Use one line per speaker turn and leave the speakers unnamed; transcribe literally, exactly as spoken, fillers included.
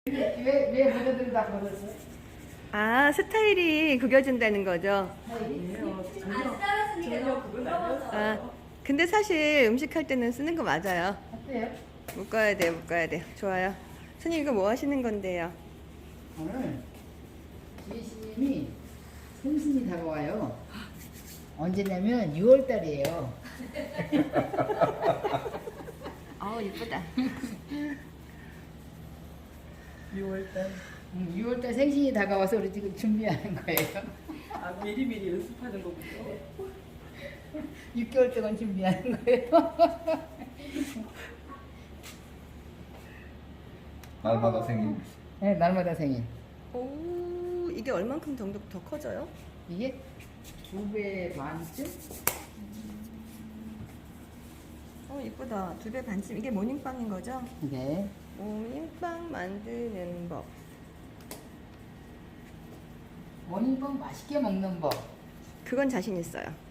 왜, 왜 모자들을 다 걸었어?
아, 스타일이 구겨진다는 거죠?
안 따라쓰는 게 너무 부러워서.
아, 근데 사실 음식할 때는 쓰는 거 맞아요.
어때요?
묶어야 돼, 묶어야 돼. 좋아요. 스님 이거 뭐 하시는 건데요?
오늘 주희씨님이 생신이 다가와요. 언제냐면 유월 달이에요.
아우, 이쁘다.
유월 달. 응, 유월 달 생신이 다가와서 우리 지금 준비하는 거예요.
아, 미리미리 연습하는 거군요.
육 개월 동안 준비하는 거예요.
날마다 생긴
네, 날마다 생일.
오, 이게 얼만큼 정도 더 커져요?
이게 두 배 반쯤?
어, 이쁘다. 두 배 반쯤. 이게 모닝빵인 거죠?
네.
모닝빵 만드는 법.
모닝빵 맛있게 먹는 법.
그건 자신 있어요.